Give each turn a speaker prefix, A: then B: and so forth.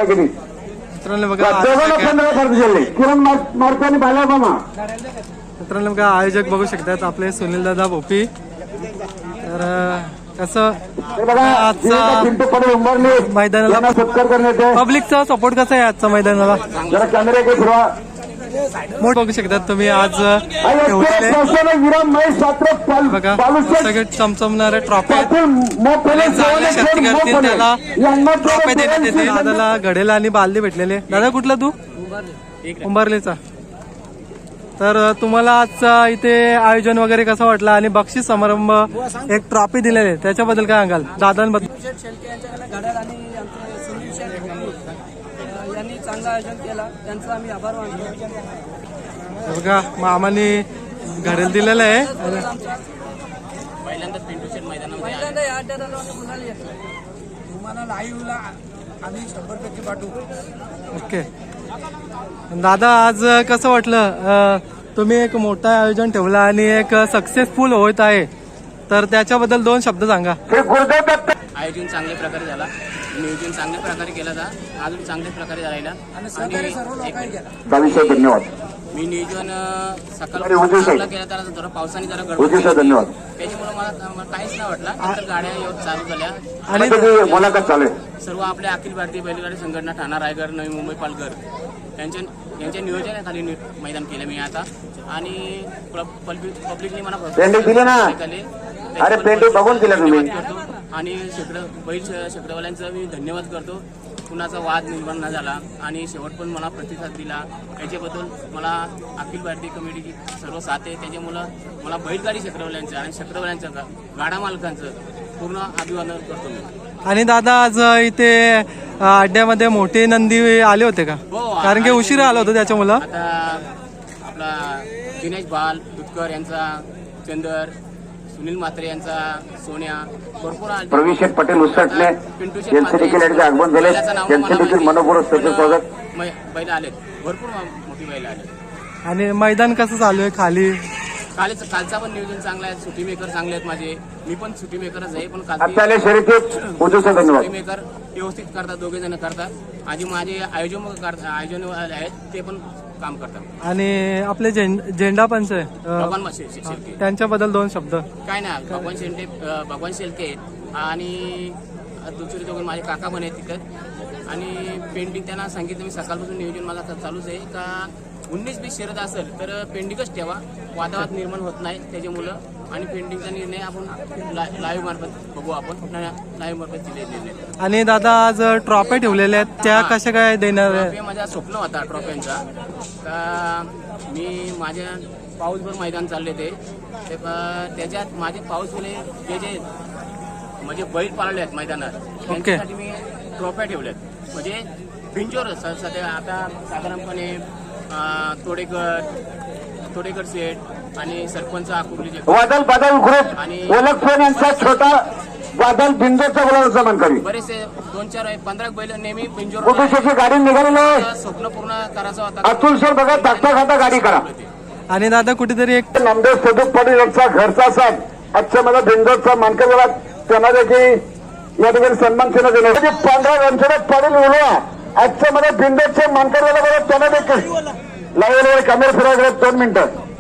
A: केली
B: मित्रांनो बघा
A: किरण मार्काने बाला मामा.
B: मित्रांनो बघा आयोजक बघू शकतात आपले सुनील दादा भोपी. तर कसं आजचा मैदानाला
A: सत्कार करण्यात
B: पब्लिकचा सपोर्ट कसा आहे आजच्या मैदानाला
A: जरा कॅमेरे के फिरवा.
B: मोठ बघू शकतात तुम्ही आज बघा सगळे चमचमणारे ट्रॉफी त्याला ट्रॉफी देण्यात येते. दादाला घडेला आणि बालदी भेटलेले. दादा कुठला तू उंबारलेचा. तर तुम्हाला आजचा इथे आयोजन वगैरे कसं वाटलं आणि बक्षीस समारंभ एक ट्रॉफी दिलेले त्याच्याबद्दल काय सांगाल दादांबद्दल.
C: यांनी चांगलं आयोजन केला त्यांचा आम्ही आभार मानतो.
B: बघा मामाने घडेल दिलेलं आहे.
C: पहिल्यांदा या अड्ड्यात आलो आणि गुलाल घेतला. तुम्हाला लाईव्हला आम्ही 100% पाठवू.
B: ओके दादा आज कसं वाटलं तुम्ही एक मोठं आयोजन ठेवलं आणि एक सक्सेसफुल होत आहे तर त्याच्याबद्दल 2 शब्द सांगा.
D: आयोजन चांगल्या प्रकारे झाला. नियोजन चांगल्या प्रकारे केला जा अजून चांगल्या प्रकारे झाला
C: आणि सहकार्य सर्व लोकांनी केला.
A: धन्यवाद.
D: मी नियोजन सकाळी केला तर जरा पावसाने जरा गडबड
A: धन्यवाद.
D: त्याच्यामुळे मला काहीच नाही वाटलं. नंतर गाड्या येऊन चालू झाल्या
B: आणि
A: मुलाखत चालू आहे.
D: सर्व आपल्या अखिल भारतीय बैलगाडी संघटना ठाणा रायगड नवी मुंबई पालघर यांच्या नियोजनाखाली मैदान केलं मी आता. आणि पब्लिकने मला
A: दिली ना. अरे पेंटिंग बघून दिलं तुम्ही.
D: आणि शेकडवाल्यांचा मी धन्यवाद करतो. कुणाचा वाद निर्माण न झाला आणि शेवट पण मला प्रतिसाद दिला याच्याबद्दल मला अखिल भारतीय कमिटीची सर्व साथ आहे. त्याच्यामुळं मला बैलगाडी शेकडवाल्यांचं आणि शेकडवाल्यांचं गाडा मालकांचं पूर्ण अभिवादन करतो मी.
B: आणि दादा आज इथे अड्ड्यामध्ये मोठे नंदी आले होते का. कारण की उशिरा आला होता त्याच्यामुळं.
D: आता आपला दिनेश बाल दुधकर यांचा चंदर सुनील म्हात्रे यांचा सोन्या भरपूर
A: प्रवीण पटेल उसटणे यांचे देखील आगमन झाले. त्यांचे देखील मनपूर्वक स्वागत.
D: बैल आलेत भरपूर मोठी बैल आले.
B: आणि मैदान कसं चालू आहे खाली.
D: कालचा पण नियोजन चांगला आहे. सुटी मेकर चांगले आहेत माझे. मी पण सुटी मेकरच आहे पण सुटी मेकर व्यवस्थित करतात. 2 जण करतात. आधी माझे आयोजन आहेत ते पण काम करतात.
B: आणि आपले झेंडा पंच आहे
D: भगवान शेलके
B: त्यांच्याबद्दल 2 शब्द.
D: काय नाही भगवान शेलके आणि दुसरे 2 माझे काका पण आहेत तिथं. आणि पेंटिंग त्यांना सांगितलं मी सकाळपासून नियोजन माझा चालूच आहे का 19-20 शर्यत असेल तर पेंडिंगच ठेवा. वादावाद निर्माण होत नाही त्याच्यामुळं. आणि पेंडिंगचा निर्णय आपण लाईव्ह मार्फत बघू. आपण लाईव्ह मार्फत दिले निर्णय.
B: आणि दादा आज ट्रॉफी ठेवलेल्या आहेत त्या कशा काय देणार.
D: माझा स्वप्न होता ट्रॉफ्यांचा का मी माझ्या पाऊसभर मैदान चालले ते त्याच्यात माझे पाऊसवाले जे म्हणजे बैल पाळले आहेत मैदानात त्यांच्यासाठी मी ट्रॉफ्या ठेवल्यात. म्हणजे बिंजोर सध्या आता साधारणपणे तोडेकर सेठ आणि सरपंच आकुर्लीचे
A: वादल बादल ग्रुप आणि ओळखपण यांचा छोटा वादल बिंजोरचा बोलायचा सन्मान करी.
D: बरेचसे 2-4-15 बैल नेहमी बिंजोर
A: कुठेशी गाडी निघालेली
D: स्वप्न पूर्ण करायचं होता.
A: अतुल सर बघा धाकटा खाता गाडी करा.
B: आणि दादा कुठेतरी एक
A: नामदेव सदूक पाटील यांचा घरचा साथ आजच्या मला बिंजोरचा मानकर झाला. त्यांना देखील या ठिकाणी सन्मान चिन्ह दिलं. 15 रणछोड पाटील उलवा आजच्या मला बिंजोरच्या मानकर झाला. त्यांना देखील लावलेले कॅमेरा फिरायला 2 मिनिटं.